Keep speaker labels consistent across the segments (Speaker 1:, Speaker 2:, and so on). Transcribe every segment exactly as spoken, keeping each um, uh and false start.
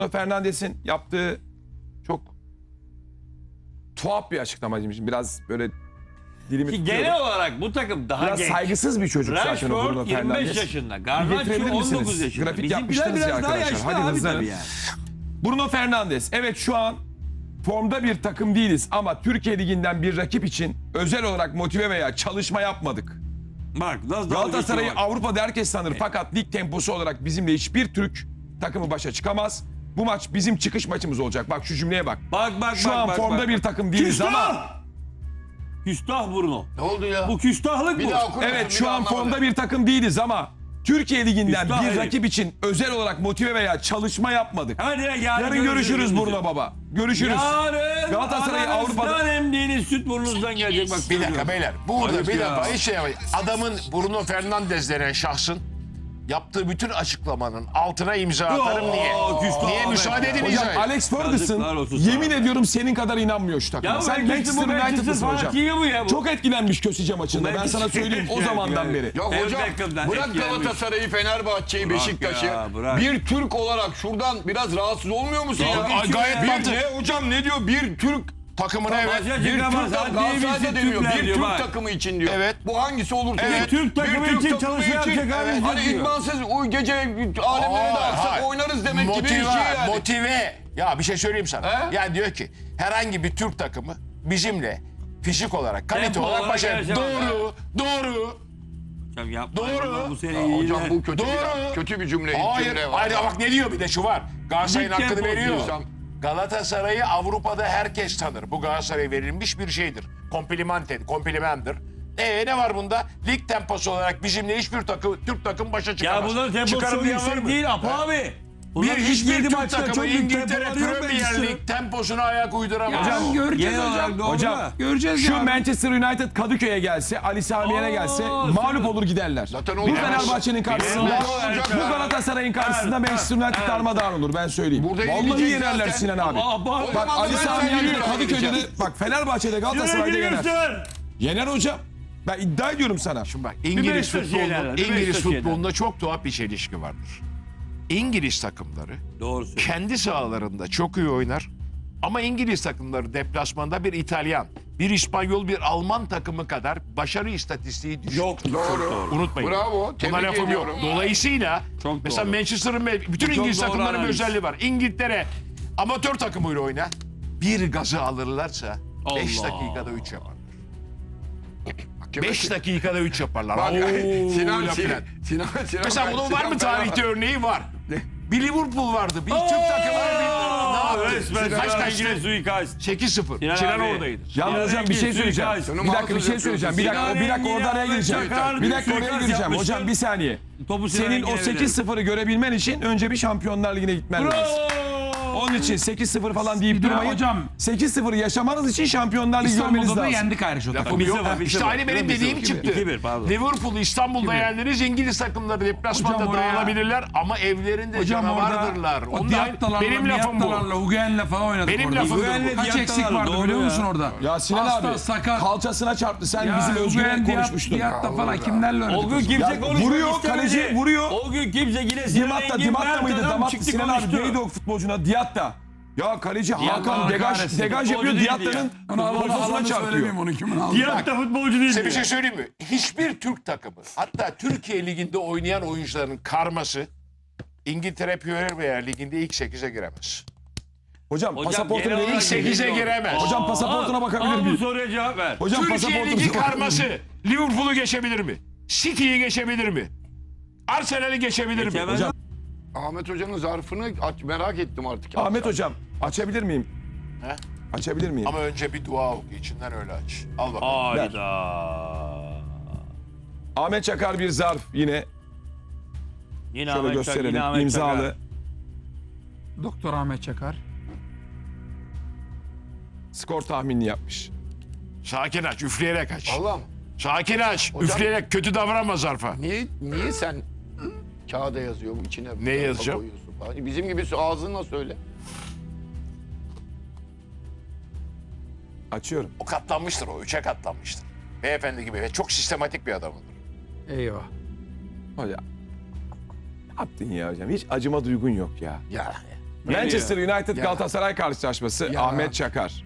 Speaker 1: Fernandes'in yaptığı çok tuhaf bir açıklamaymış. Biraz böyle dilimi
Speaker 2: Ki
Speaker 1: tutuyorum.
Speaker 2: genel olarak bu takım daha
Speaker 1: Biraz
Speaker 2: genç.
Speaker 1: saygısız bir çocuk zaten o Bruno
Speaker 2: Rashford yirmi beş
Speaker 1: Fernandes.
Speaker 2: yaşında.
Speaker 1: Bir
Speaker 2: Garnacho
Speaker 1: getirebilir
Speaker 2: on
Speaker 1: misiniz?
Speaker 2: dokuz yaşında.
Speaker 1: Grafik
Speaker 2: Bizimkiler
Speaker 1: yapmıştınız ya
Speaker 2: biraz daha
Speaker 1: arkadaşlar.
Speaker 2: yaşlı
Speaker 1: Hadi
Speaker 2: abi
Speaker 1: hızlanın.
Speaker 2: tabii yani.
Speaker 1: Bruno Fernandes. Evet şu an formda bir takım değiliz ama Türkiye Ligi'nden bir rakip için özel olarak motive veya çalışma yapmadık.
Speaker 2: Bak nasıl
Speaker 1: Galatasaray'ı
Speaker 2: dalga geçiyor bak.
Speaker 1: Avrupa'da herkes tanır fakat lig temposu olarak bizimle hiçbir Türk takımı başa çıkamaz. Bu maç bizim çıkış maçımız olacak. Bak şu cümleye bak.
Speaker 2: Bak bak
Speaker 1: Şu
Speaker 2: bak,
Speaker 1: an
Speaker 2: bak,
Speaker 1: formda
Speaker 2: bak.
Speaker 1: bir takım değiliz
Speaker 2: Küstah!
Speaker 1: ama
Speaker 2: Küstah Bruno.
Speaker 3: Ne oldu ya?
Speaker 2: Bu küstahlık
Speaker 3: Bir
Speaker 2: bu.
Speaker 3: daha okur musun?
Speaker 1: evet
Speaker 3: Bir
Speaker 1: şu
Speaker 3: daha
Speaker 1: an
Speaker 3: anlamadım.
Speaker 1: formda bir takım değiliz ama Türkiye Ligi'nden
Speaker 2: Üstad
Speaker 1: bir
Speaker 2: herif.
Speaker 1: rakip için özel olarak motive veya çalışma yapmadık.
Speaker 2: Hadi ya, yarın,
Speaker 1: Yarın görüşürüz Bruno Baba. Görüşürüz.
Speaker 2: Yarın
Speaker 1: Galatasaray'ı
Speaker 2: Avrupa'da
Speaker 1: Avrupa'da...
Speaker 2: emdiğiniz süt burnunuzdan gelecek bak.
Speaker 3: Bir dakika
Speaker 2: söylüyorum.
Speaker 3: beyler. Burada
Speaker 2: Ayıp
Speaker 3: bir
Speaker 2: ya.
Speaker 3: defa hiç şey yapmayın. Adamın Bruno Fernandes denen şahsın yaptığı bütün açıklamanın altına imza atarım
Speaker 2: Oo,
Speaker 3: niye?
Speaker 2: küstah
Speaker 3: Niye
Speaker 2: Ahmet
Speaker 3: müsaade
Speaker 2: ya.
Speaker 3: edin
Speaker 1: Hocam
Speaker 3: izah edin.
Speaker 1: Alex
Speaker 2: Yazıklar
Speaker 1: Ferguson
Speaker 2: olsun sana.
Speaker 1: yemin ediyorum senin kadar inanmıyor şu takıma.
Speaker 2: Ya
Speaker 1: Sen Manchester United'lısın hocam.
Speaker 2: fanatiği bu ya bu.
Speaker 1: Çok etkilenmiş Kösice maçında. Ben
Speaker 2: Manchester
Speaker 1: sana söyleyeyim o
Speaker 2: United
Speaker 1: zamandan
Speaker 2: yani.
Speaker 1: beri.
Speaker 4: Yok
Speaker 2: El
Speaker 4: hocam
Speaker 2: Beckham'dan
Speaker 4: bırak
Speaker 2: etkilenmiş.
Speaker 4: Galatasaray'ı, Fenerbahçe'yi,
Speaker 2: Bırak
Speaker 4: Beşiktaş'ı.
Speaker 2: ya, bırak.
Speaker 4: Bir Türk olarak şuradan biraz rahatsız olmuyor musun
Speaker 3: Ya,
Speaker 4: ya?
Speaker 3: gayet
Speaker 4: bir,
Speaker 3: mantıklı.
Speaker 4: ne hocam ne diyor? Bir Türk
Speaker 3: Takımına evet.
Speaker 2: Maça
Speaker 4: bir
Speaker 2: çıkamaz.
Speaker 4: Türk
Speaker 2: Hadi
Speaker 4: Galatasaray'da
Speaker 2: birisi
Speaker 4: demiyor.
Speaker 2: Türkler
Speaker 4: Bir
Speaker 2: diyor,
Speaker 4: Türk
Speaker 2: bak.
Speaker 4: takımı için diyor.
Speaker 3: Evet.
Speaker 4: Bu hangisi olursa
Speaker 3: Evet.
Speaker 4: olsun.
Speaker 2: Türk takımı
Speaker 4: Bir Türk
Speaker 2: için
Speaker 4: takımı
Speaker 2: çalışacak
Speaker 4: için,
Speaker 2: abi,
Speaker 4: evet, Hani
Speaker 2: diyor.
Speaker 4: idmansız o gece alemlere de
Speaker 3: Aa,
Speaker 4: aksak
Speaker 3: hayır.
Speaker 4: oynarız demek gibi bir
Speaker 3: Motive,
Speaker 4: şey yani.
Speaker 3: motive. Ya bir şey söyleyeyim sana.
Speaker 4: He?
Speaker 3: Yani diyor ki herhangi bir Türk takımı bizimle fizik olarak, kalite
Speaker 2: Tempo
Speaker 3: olarak
Speaker 2: olarak
Speaker 3: başa...
Speaker 2: yarışamaz.
Speaker 3: Doğru, doğru.
Speaker 2: Hocam yapma.
Speaker 3: Doğru.
Speaker 2: Bu sene
Speaker 4: Ya
Speaker 2: iyi
Speaker 4: hocam bu kötü
Speaker 3: Doğru.
Speaker 4: bir, kötü bir cümle.
Speaker 3: Hayır,
Speaker 4: cümle var.
Speaker 3: hayır bak ne diyor bir de şu var. Galatasaray'ın
Speaker 2: Lig
Speaker 3: hakkını
Speaker 2: temposu
Speaker 3: veriyor.
Speaker 4: diyorsam-
Speaker 3: Galatasaray'ı Avrupa'da herkes tanır. Bu Galatasaray'a verilmiş bir şeydir. Komplimanten, komplimendir. Ee ne var bunda? Lig temposu olarak bizimle hiçbir takım, Türk takım başa
Speaker 2: Ya
Speaker 3: çıkamaz.
Speaker 2: bunların temposu
Speaker 3: Çıkarım
Speaker 2: çok
Speaker 3: diyen var
Speaker 2: yüksek
Speaker 3: mı?
Speaker 2: değil Apo abi.
Speaker 3: Bir
Speaker 2: Bunların ilk
Speaker 3: hiçbir
Speaker 2: yedi
Speaker 3: Türk
Speaker 2: maçta
Speaker 3: takımı
Speaker 2: çok büyük
Speaker 3: İngiltere
Speaker 2: tempoları yok
Speaker 3: Premier
Speaker 2: Manchester.
Speaker 3: Lig temposuna ayak uyduramaz.
Speaker 1: Hocam
Speaker 5: Göreceğiz
Speaker 2: Genel olarak
Speaker 5: hocam.
Speaker 2: doğru
Speaker 1: Hocam,
Speaker 2: da.
Speaker 5: Göreceğiz
Speaker 1: Şu
Speaker 5: ya.
Speaker 1: Manchester United Kadıköy'e gelse, Ali Sami Yen'e
Speaker 2: Oo,
Speaker 1: gelse
Speaker 2: süper.
Speaker 1: mağlup olur giderler.
Speaker 4: Zaten
Speaker 1: Bu
Speaker 4: o-
Speaker 1: Fenerbahçe'nin karşısında,
Speaker 4: Bilemez.
Speaker 1: bu Galatasaray'ın karşısında
Speaker 2: Evet,
Speaker 1: Manchester United
Speaker 2: evet.
Speaker 1: darmadağın olur ben söyleyeyim.
Speaker 4: Burada
Speaker 1: Vallahi
Speaker 4: yenilecek
Speaker 1: yenerler
Speaker 4: zaten.
Speaker 1: Sinan abi.
Speaker 2: Aa, bak,
Speaker 4: O
Speaker 1: Bak
Speaker 4: zaman
Speaker 1: Ali
Speaker 4: da ben
Speaker 1: Sami
Speaker 4: sen
Speaker 1: Yen'de
Speaker 4: yürü
Speaker 1: Kadıköy'de
Speaker 4: abi.
Speaker 1: de, bak Fenerbahçe'de Galatasaray'da yener.
Speaker 2: Yener.
Speaker 1: Yener hocam. Ben iddia ediyorum sana.
Speaker 3: Şimdi bak
Speaker 2: Bir
Speaker 3: İngiliz
Speaker 2: Beşiktaş
Speaker 3: futbolunda,
Speaker 2: yenerler, bir
Speaker 3: İngiliz
Speaker 2: Beşiktaş
Speaker 3: futbolunda çok tuhaf bir çelişki vardır. İngiliz takımları
Speaker 2: Doğru söylüyorsun.
Speaker 3: kendi sahalarında çok iyi oynar. Ama İngiliz takımları deplasmanda bir İtalyan, bir İspanyol, bir Alman takımı kadar başarı istatistiği düşük.
Speaker 2: Yok.
Speaker 4: Doğru.
Speaker 3: Unutmayın.
Speaker 4: Bravo.
Speaker 3: Buna
Speaker 4: Tebrik
Speaker 3: lafım yok.
Speaker 4: ediyorum.
Speaker 3: Dolayısıyla
Speaker 2: Çok
Speaker 3: mesela
Speaker 2: doğru.
Speaker 3: Manchester'ın ve bütün
Speaker 2: Çok
Speaker 3: İngiliz
Speaker 2: doğru
Speaker 3: takımlarının bir
Speaker 2: analiz.
Speaker 3: özelliği var. İngiltere amatör takımıyla oyna. Bir gazı alırlarsa beş
Speaker 2: Allah.
Speaker 3: dakikada üç yaparlar.
Speaker 4: Kime-
Speaker 3: beş dakikada üç yaparlar.
Speaker 4: Bak,
Speaker 3: Oo,
Speaker 4: Sinan,
Speaker 3: laf
Speaker 4: Sinan,
Speaker 3: filan.
Speaker 4: Sinan, Sinan,
Speaker 3: Mesela bunun var mı
Speaker 4: Sinan-
Speaker 3: tarihte örneği var. Bir Liverpool vardı. Bir Türk takımları bir... Ne yaptı?
Speaker 2: Resmen
Speaker 3: Kaç
Speaker 2: Sinan
Speaker 3: kaçtı?
Speaker 2: Engin suikast.
Speaker 3: sekiz sıfır.
Speaker 2: Sinan
Speaker 3: Sinan
Speaker 2: abi.
Speaker 3: oradaydı.
Speaker 1: Ya
Speaker 2: Sinan
Speaker 1: hocam bir şey
Speaker 2: Engin
Speaker 1: söyleyeceğim.
Speaker 2: suikast.
Speaker 1: Bir dakika bir şey söyleyeceğim. Bir dakika, bir dakika orada araya gireceğim. Bir dakika oraya gireceğim. Hocam bir saniye.
Speaker 2: Topu Sinan
Speaker 1: Senin o
Speaker 2: Engin'e
Speaker 1: sekiz sıfırı görebilmen için önce bir Şampiyonlar Ligi'ne gitmen lazım.
Speaker 2: Bravo.
Speaker 1: Onun için sekiz sıfır falan deyip
Speaker 5: Bir de
Speaker 1: durmayın.
Speaker 5: hocam-
Speaker 1: sekiz sıfır yaşamanız için Şampiyonlar Ligi görmeniz
Speaker 5: İstanbul'da da
Speaker 1: lazım.
Speaker 5: yendik ayrıca o takımı.
Speaker 2: Bir
Speaker 3: Yok,
Speaker 2: sıfır, bir
Speaker 3: İşte
Speaker 2: sıfır.
Speaker 3: aynı benim
Speaker 2: Bir
Speaker 3: dediğim
Speaker 2: sıfır.
Speaker 3: çıktı.
Speaker 2: iki bir, pardon.
Speaker 3: Liverpool'u İstanbul'da yendiniz. İngiliz takımları deplasmanda
Speaker 5: Hocam oraya-
Speaker 3: dağılabilirler ama evlerinde
Speaker 5: Hocam
Speaker 3: canavardırlar.
Speaker 5: orada o
Speaker 3: Onlar,
Speaker 5: Diatta'larla,
Speaker 3: benim lafım bu.
Speaker 5: Miatta'larla, Hugen'le falan oynadık
Speaker 3: Benim
Speaker 5: orada.
Speaker 3: lafım bu.
Speaker 2: Hugen'le
Speaker 5: Kaç
Speaker 2: Diatta'larla,
Speaker 5: eksik vardı
Speaker 2: doğru
Speaker 5: biliyor
Speaker 2: ya.
Speaker 5: musun orada?
Speaker 1: Ya Sinan
Speaker 5: Hasta,
Speaker 1: abi
Speaker 5: sakat.
Speaker 1: kalçasına çarptı. Sen
Speaker 5: Ya
Speaker 1: bizim Özgür'le
Speaker 5: Hugen,
Speaker 1: konuşmuştun.
Speaker 5: Diatta falan kimlerle oynadık?
Speaker 2: O gün
Speaker 5: o zaman?
Speaker 2: kimse
Speaker 1: Ya
Speaker 2: konuşmak
Speaker 1: vuruyor,
Speaker 2: istemedi.
Speaker 1: kaleci vuruyor.
Speaker 2: O gün kimse yine Sinan
Speaker 1: Dimatta,
Speaker 2: Engin,
Speaker 1: Dimatta
Speaker 2: Mert
Speaker 1: mıydı?
Speaker 2: adam
Speaker 1: Damat
Speaker 2: çıktı
Speaker 1: Sinan abi
Speaker 2: konuştu.
Speaker 1: neydi o futbolcuna? Diatta. Ya kaleci Hakan
Speaker 5: Allah
Speaker 1: degaj,
Speaker 5: kahretsin.
Speaker 1: degaj
Speaker 2: Futbolcu
Speaker 1: yapıyor.
Speaker 2: değildi
Speaker 1: Diatta'nın
Speaker 5: Onu Allah
Speaker 1: kafasına
Speaker 5: Allah'ını
Speaker 1: çarpıyor.
Speaker 5: söylemeyeyim onu kimin aldı.
Speaker 2: Diatta futbolcu değil.
Speaker 3: Size bir şey söyleyeyim mi? Hiçbir Türk takımı, hatta Türkiye Ligi'nde oynayan oyuncuların karması İngiltere Premier Ligi'nde ilk sekize giremez.
Speaker 1: Hocam,
Speaker 2: Hocam,
Speaker 1: pasaportunu
Speaker 2: genel
Speaker 1: verir
Speaker 2: olarak
Speaker 1: misin?
Speaker 3: sekize
Speaker 2: geliyor.
Speaker 3: giremez.
Speaker 1: Hocam pasaportuna bakabilir
Speaker 2: Al bu
Speaker 1: miyim?
Speaker 2: soruya cevap ver.
Speaker 1: Hocam
Speaker 3: Türkiye
Speaker 1: pasaportuna
Speaker 3: Ligi
Speaker 1: bakabilir miyim?
Speaker 3: karması Liverpool'u geçebilir mi? City'yi geçebilir mi? Arsenal'i geçebilir mi?
Speaker 2: Geçemez.
Speaker 1: Hocam,
Speaker 4: Ahmet Hoca'nın zarfını aç, merak ettim artık.
Speaker 1: Ahmet hocam açabilir miyim?
Speaker 3: He?
Speaker 1: Açabilir miyim?
Speaker 3: Ama önce bir dua oku. İçinden öyle aç. Al bakalım.
Speaker 2: Hayda.
Speaker 1: Ahmet Çakar bir zarf yine.
Speaker 2: Yine
Speaker 1: Şöyle
Speaker 2: Ahmet Çakar,
Speaker 1: gösterelim.
Speaker 2: yine Ahmet
Speaker 1: İmzalı.
Speaker 2: Çakar.
Speaker 5: Doktor Ahmet Çakar.
Speaker 1: Skor tahminini yapmış.
Speaker 3: Sakin aç. Üfleyerek aç.
Speaker 4: Allah'ım
Speaker 3: Sakin aç.
Speaker 4: Hocam-
Speaker 3: Üfleyerek kötü davranma zarfa.
Speaker 4: niye niye sen kağıda yazıyor bu içine?
Speaker 3: Ne yazacağım?
Speaker 4: koyuyorsun falan? Bizim gibi ağzınla söyle.
Speaker 1: Açıyorum.
Speaker 3: O katlanmıştır o. Üçe katlanmıştır. Beyefendi gibi ve çok sistematik bir adamdır.
Speaker 5: Eyvah.
Speaker 1: Hocam. Ne yaptın ya hocam? Hiç acıma duygun yok ya.
Speaker 3: Ya
Speaker 1: Manchester United
Speaker 4: Ya.
Speaker 1: Galatasaray karşılaşması.
Speaker 4: Ya.
Speaker 1: Ahmet Çakar.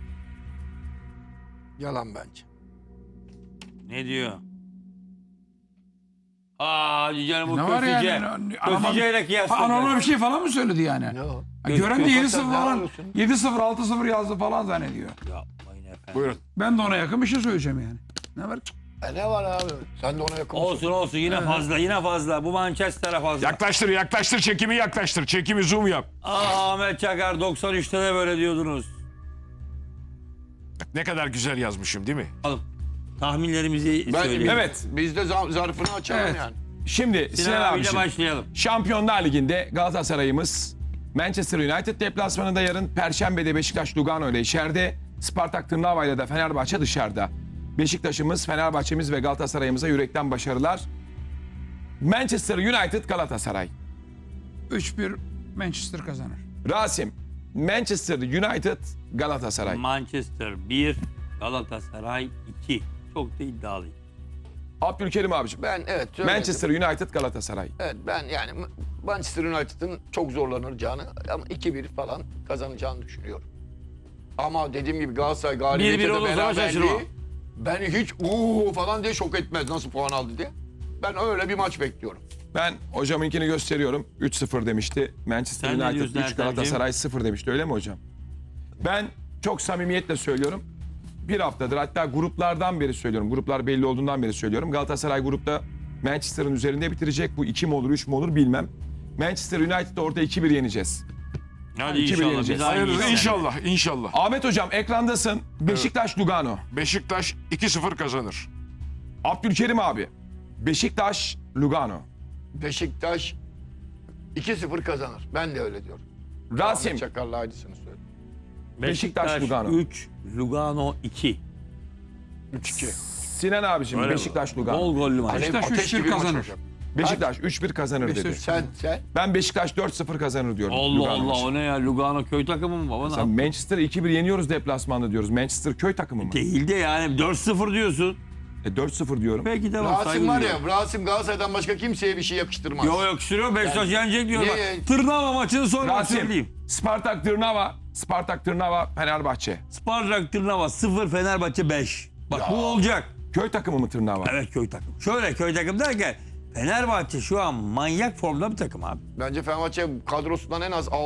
Speaker 4: Yalan bence.
Speaker 2: Ne diyor? Aa Cüce'nin bu
Speaker 5: Ne var
Speaker 2: köftece.
Speaker 5: yani? Anormal-
Speaker 2: Köfteceyle
Speaker 5: Ha,
Speaker 2: kıyasladı.
Speaker 5: Anormal bir şey falan mı söyledi yani?
Speaker 4: Ne o?
Speaker 5: Ha, gören de yedi sıfır
Speaker 4: Ne
Speaker 5: falan,
Speaker 4: yapıyorsun?
Speaker 5: yedi sıfır altı sıfır yazdı falan zannediyor.
Speaker 2: Yapmayın efendim.
Speaker 3: Buyurun.
Speaker 5: Ben de ona yakın bir şey söyleyeceğim yani. Ne var?
Speaker 4: E ne var abi? Sen de ona yakın mısın?
Speaker 2: Olsun olsun yine fazla yine fazla. Bu Manchester'a fazla.
Speaker 3: Yaklaştır yaklaştır çekimi yaklaştır. Çekimi zoom yap.
Speaker 2: Aa Ahmet Çakar doksan üçte de böyle diyordunuz.
Speaker 3: Ne kadar güzel yazmışım değil mi?
Speaker 2: Alın. Tahminlerimizi
Speaker 4: Ben,
Speaker 2: söyleyelim.
Speaker 1: Evet.
Speaker 4: Biz de zar- zarfını açalım
Speaker 5: Evet.
Speaker 4: yani.
Speaker 1: Şimdi
Speaker 2: Sinan
Speaker 1: Sinan
Speaker 2: abiyle
Speaker 1: abiciğim.
Speaker 2: başlayalım.
Speaker 1: Şampiyonlar Ligi'nde Galatasaray'ımız Manchester United deplasmanında yarın. Perşembe'de Beşiktaş Lugano ile içeride. Spartak Trnava ile de Fenerbahçe dışarıda. Beşiktaş'ımız, Fenerbahçe'miz ve Galatasaray'ımıza yürekten başarılar. Manchester United Galatasaray.
Speaker 5: üç bir Manchester kazanır.
Speaker 1: Rasim, Manchester United Galatasaray.
Speaker 2: Manchester bir, Galatasaray iki. Çok da iddialıyım.
Speaker 1: Abdülkerim abiciğim.
Speaker 4: Ben evet söyledim.
Speaker 1: Manchester United Galatasaray.
Speaker 4: Evet ben yani Manchester United'ın çok zorlanacağını ama iki bir falan kazanacağını düşünüyorum. Ama dediğim gibi Galatasaray galibiyeti
Speaker 2: bir bir
Speaker 4: de
Speaker 2: olursa şaşırmam.
Speaker 4: beraberliği beni hiç uuu falan diye şok etmez nasıl puan aldı diye. Ben öyle bir maç bekliyorum.
Speaker 1: Ben hocamınkini gösteriyorum. üç sıfır demişti. Manchester
Speaker 2: Sen ne
Speaker 1: United
Speaker 2: diyorsun
Speaker 1: üç,
Speaker 2: Ertem'ciğim?
Speaker 1: Galatasaray sıfır demişti. Öyle mi hocam? Ben çok samimiyetle söylüyorum. Bir haftadır, hatta gruplardan beri söylüyorum. Gruplar belli olduğundan beri söylüyorum. Galatasaray grupta Manchester'ın üzerinde bitirecek. Bu iki mi olur, üç mü olur bilmem. Manchester United'ı orada iki bir yeneceğiz.
Speaker 2: Hadi
Speaker 1: iki bir
Speaker 2: inşallah.
Speaker 1: yeneceğiz.
Speaker 2: Biz aynı
Speaker 3: Hayırlısı
Speaker 2: insan.
Speaker 3: inşallah inşallah.
Speaker 1: Ahmet hocam ekrandasın. Beşiktaş Lugano.
Speaker 3: Beşiktaş iki sıfır kazanır.
Speaker 1: Abdülkerim abi. Beşiktaş Lugano.
Speaker 4: Beşiktaş iki sıfır kazanır. Ben de öyle diyorum.
Speaker 1: Rasim.
Speaker 4: Ahmet Çakar'la aynısını söyledi.
Speaker 1: Beşiktaş,
Speaker 2: Beşiktaş
Speaker 1: Lugano.
Speaker 2: üç, Lugano iki.
Speaker 4: üç iki.
Speaker 1: Sinan abicim
Speaker 2: Öyle
Speaker 1: Beşiktaş Lugano.
Speaker 2: Bol gollü maç.
Speaker 5: Beşiktaş
Speaker 4: Ateş
Speaker 5: üç bir
Speaker 4: gibi maç
Speaker 5: kazanır.
Speaker 4: olacak.
Speaker 1: Beşiktaş üç bir kazanır dedi.
Speaker 5: Beşiktaş-
Speaker 4: Sen sen
Speaker 1: Ben Beşiktaş dört sıfır kazanır diyorum.
Speaker 2: Allah
Speaker 1: Lugano
Speaker 2: Allah
Speaker 1: maçı.
Speaker 2: o ne ya Lugano köy takımı mı baba?
Speaker 1: Sen Manchester iki bir yeniyoruz deplasmanda diyoruz. Manchester köy takımı mı?
Speaker 2: Değil de yani dört sıfır diyorsun.
Speaker 1: E dört sıfır diyorum.
Speaker 2: Peki tamam
Speaker 4: Rasim
Speaker 2: saygı
Speaker 4: var
Speaker 2: duyuyorum.
Speaker 4: ya Rasim Galatasaray'dan başka kimseye bir şey yakıştırmaz.
Speaker 2: Yo yok sürüyor Beşiktaş yenecek diyor.
Speaker 4: Niye
Speaker 2: bak.
Speaker 4: yani?
Speaker 2: Tırnava maçını sonra
Speaker 1: Rasim,
Speaker 2: söyleyeyim.
Speaker 1: Spartak Tırnava, Spartak Tırnava, Fenerbahçe.
Speaker 2: Spartak Tırnava sıfır Fenerbahçe beş. Bak bu olacak.
Speaker 1: Köy takımı mı Tırnava?
Speaker 2: Evet köy takım. Şöyle köy takım derken Fenerbahçe şu an manyak formda bir takım abi.
Speaker 4: Bence Fenerbahçe kadrosundan en az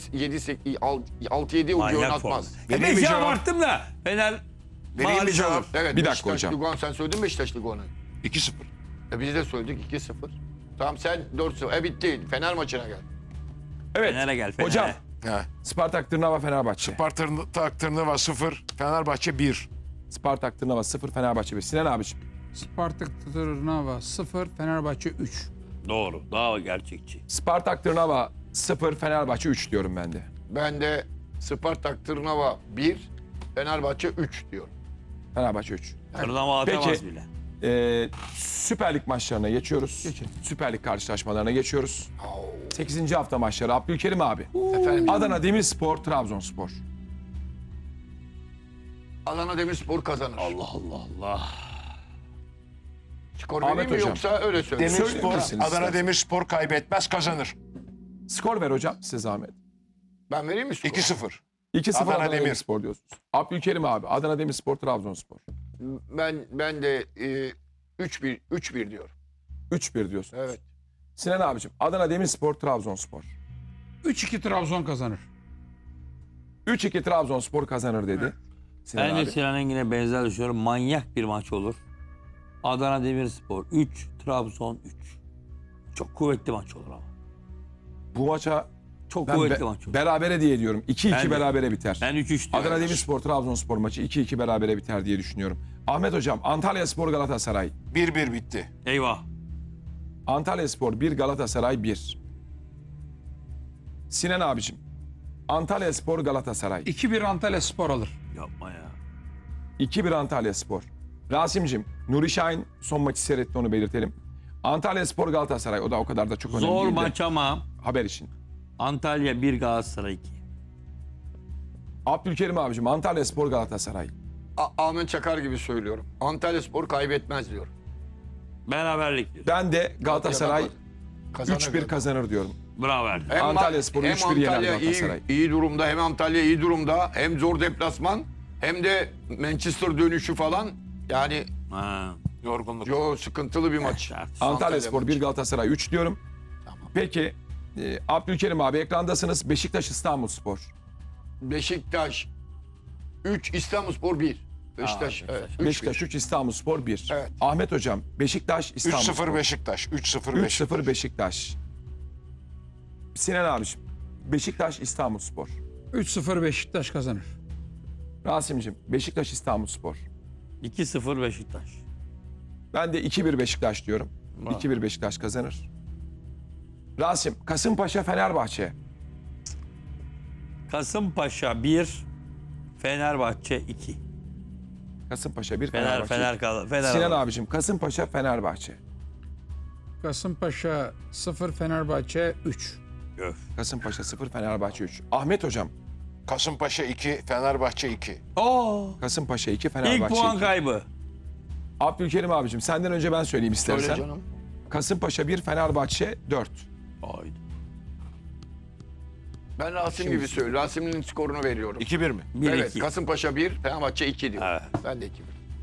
Speaker 4: altı yedi oyuncu
Speaker 2: Manyak
Speaker 4: oynatmaz.
Speaker 2: formda. E
Speaker 3: Vereyim
Speaker 2: beşe
Speaker 3: mi cevap?
Speaker 2: abarttım da Fener
Speaker 4: Vereyim bir
Speaker 2: mağlup
Speaker 4: cevap.
Speaker 2: olur.
Speaker 4: Evet,
Speaker 1: Bir dakika
Speaker 4: Beşiktaş
Speaker 1: hocam.
Speaker 4: Lugano, sen söyledin Beşiktaş Lugano'yu.
Speaker 3: iki sıfır.
Speaker 4: E biz de söyledik iki sıfır. Tamam sen dört sıfır. E bitti. Fener maçına gel.
Speaker 1: Evet.
Speaker 2: Fener'e gel, Fener'e.
Speaker 1: Hocam
Speaker 3: He.
Speaker 1: Spartak Tırnava, Fenerbahçe.
Speaker 3: Spartak Tırnava sıfır. Fenerbahçe bir.
Speaker 1: Spartak Tırnava sıfır, Fenerbahçe bir. Sinan abiciğim.
Speaker 5: Spartak Trnava sıfır, Fenerbahçe üç.
Speaker 2: Doğru. Daha gerçekçi.
Speaker 1: Spartak Tırnava sıfır, Fenerbahçe üç diyorum ben de.
Speaker 4: Ben de Spartak Tırnava bir, Fenerbahçe üç diyorum.
Speaker 1: Fenerbahçe üç.
Speaker 2: Tırnava atamaz
Speaker 1: Peki.
Speaker 2: bile.
Speaker 1: Ee, Süper Lig maçlarına geçiyoruz.
Speaker 5: Geçelim.
Speaker 1: Süper Lig karşılaşmalarına geçiyoruz. sekizinci hafta maçları. Abdülkerim abi.
Speaker 4: Efendim
Speaker 1: Adana Demirspor, Trabzonspor.
Speaker 4: Adana Demirspor kazanır.
Speaker 2: Allah Allah Allah.
Speaker 4: Skor
Speaker 1: Ahmet
Speaker 4: vereyim mi
Speaker 1: hocam.
Speaker 4: yoksa öyle söyleyeyim.
Speaker 3: Demirspor,
Speaker 1: Söyleyebilirsiniz
Speaker 3: Adana
Speaker 1: isterseniz.
Speaker 3: Demirspor kaybetmez kazanır.
Speaker 1: Skor ver hocam size zahmet.
Speaker 4: Ben vereyim mi skor?
Speaker 3: iki sıfır.
Speaker 1: iki sıfır
Speaker 3: Adana
Speaker 1: Adana,
Speaker 3: Demir.
Speaker 1: Demirspor diyorsunuz. Abdülkerim abi. Adana Demirspor, Trabzonspor.
Speaker 4: Ben ben de e, üç bir üç bir diyorum.
Speaker 1: üç bir diyorsunuz.
Speaker 4: Evet.
Speaker 1: Sinan abicim. Adana Demirspor, Trabzonspor.
Speaker 5: üç iki Trabzon kazanır.
Speaker 1: üç iki Trabzonspor kazanır dedi. Sinan
Speaker 2: Ben de
Speaker 1: abi.
Speaker 2: Sinan Engin'e benzer düşünüyorum. Manyak bir maç olur. Adana Demirspor üç, Trabzon üç. Çok kuvvetli maç olur ama.
Speaker 1: Bu maça
Speaker 2: Çok
Speaker 1: ben
Speaker 2: kuvvetli
Speaker 1: be-
Speaker 2: maç olur.
Speaker 1: berabere diye diyorum. iki
Speaker 2: Ben
Speaker 1: iki
Speaker 2: de.
Speaker 1: berabere biter.
Speaker 2: Ben üç üç diyorum.
Speaker 1: Adana Demirspor, Trabzonspor maçı iki iki berabere biter diye düşünüyorum. Ahmet hocam, Antalyaspor, Galatasaray.
Speaker 3: bir bir bitti.
Speaker 2: Eyvah.
Speaker 1: Antalyaspor bir, Galatasaray bir. Sinan abicim. Antalyaspor, Galatasaray.
Speaker 5: iki bir Antalya Spor alır.
Speaker 2: Yapma ya.
Speaker 1: iki bir Antalyaspor. Rasim'cim, Nuri Şahin son maçı seyretti, onu belirtelim. Antalyaspor, Galatasaray. O da o kadar da çok önemli
Speaker 2: Zor
Speaker 1: değil de
Speaker 2: maç ama
Speaker 1: haber için.
Speaker 2: Antalya bir, Galatasaray iki.
Speaker 1: Abdülkerim abicim, Antalyaspor, Galatasaray.
Speaker 4: A- Ahmet Çakar gibi söylüyorum. Antalya Spor kaybetmez diyorum.
Speaker 2: Beraberlik diyor.
Speaker 1: Ben de Galatasaray
Speaker 4: Kazanır.
Speaker 1: üç bir kazanır diyorum.
Speaker 2: Bravo Ertem.
Speaker 4: Hem
Speaker 1: Antalya Spor'u
Speaker 4: hem
Speaker 1: üç bir yener
Speaker 4: Antalya iyi,
Speaker 1: Galatasaray.
Speaker 4: iyi durumda, hem Antalya iyi durumda, hem zor deplasman, hem de Manchester dönüşü falan. Yani
Speaker 2: Ha.
Speaker 3: Yorgunluk.
Speaker 4: yo sıkıntılı bir maç.
Speaker 2: Evet.
Speaker 1: Antalya Spor
Speaker 4: maçı.
Speaker 1: bir, Galatasaray üç diyorum.
Speaker 4: Tamam.
Speaker 1: Peki e, Abdülkerim abi ekrandasınız. Beşiktaş İstanbul Spor.
Speaker 4: Beşiktaş üç, İstanbulspor bir. Beşiktaş,
Speaker 2: Aa,
Speaker 4: evet.
Speaker 2: Beşiktaş.
Speaker 4: üç
Speaker 1: Beşiktaş üç, İstanbul Spor bir.
Speaker 4: Evet.
Speaker 1: Ahmet hocam Beşiktaş
Speaker 3: üç
Speaker 1: İstanbul
Speaker 3: sıfır
Speaker 1: Spor.
Speaker 3: Beşiktaş. üç sıfır
Speaker 1: üç
Speaker 3: Beşiktaş.
Speaker 1: sıfır Beşiktaş. Sinan abiciğim Beşiktaş İstanbul Spor.
Speaker 5: üç sıfır Beşiktaş kazanır.
Speaker 1: Rasim'cim Beşiktaş İstanbul Spor.
Speaker 2: iki sıfır Beşiktaş.
Speaker 1: Ben de iki bir Beşiktaş diyorum.
Speaker 2: Bravo.
Speaker 1: iki bir Beşiktaş kazanır. Rasim Kasımpaşa Fenerbahçe.
Speaker 2: Kasımpaşa bir, Fenerbahçe iki.
Speaker 1: Kasımpaşa bir,
Speaker 2: Fener
Speaker 1: Fenerbahçe.
Speaker 2: Fener kal Fener.
Speaker 1: Sinan
Speaker 2: alır.
Speaker 1: abicim Kasımpaşa Fenerbahçe.
Speaker 5: Kasımpaşa sıfır Fenerbahçe üç.
Speaker 2: Öf.
Speaker 1: Kasımpaşa sıfır, Fenerbahçe üç. Ahmet hocam
Speaker 3: Kasımpaşa iki, Fenerbahçe iki.
Speaker 2: Oo.
Speaker 1: Kasımpaşa iki,
Speaker 2: İlk
Speaker 1: Fenerbahçe
Speaker 2: puan
Speaker 1: iki.
Speaker 2: kaybı.
Speaker 1: Abdülkerim abicim senden önce ben söyleyeyim
Speaker 4: Söyle
Speaker 1: istersen.
Speaker 4: canım.
Speaker 1: Kasımpaşa bir, Fenerbahçe dört.
Speaker 2: Haydi.
Speaker 4: Ben Rasim gibi söylüyorum. Rasim'in skorunu veriyorum.
Speaker 3: iki bir mi?
Speaker 2: bir
Speaker 4: Evet,
Speaker 2: iki.
Speaker 4: Kasımpaşa bir, Fenerbahçe iki diyor.
Speaker 2: Evet.
Speaker 4: Ben de iki bir.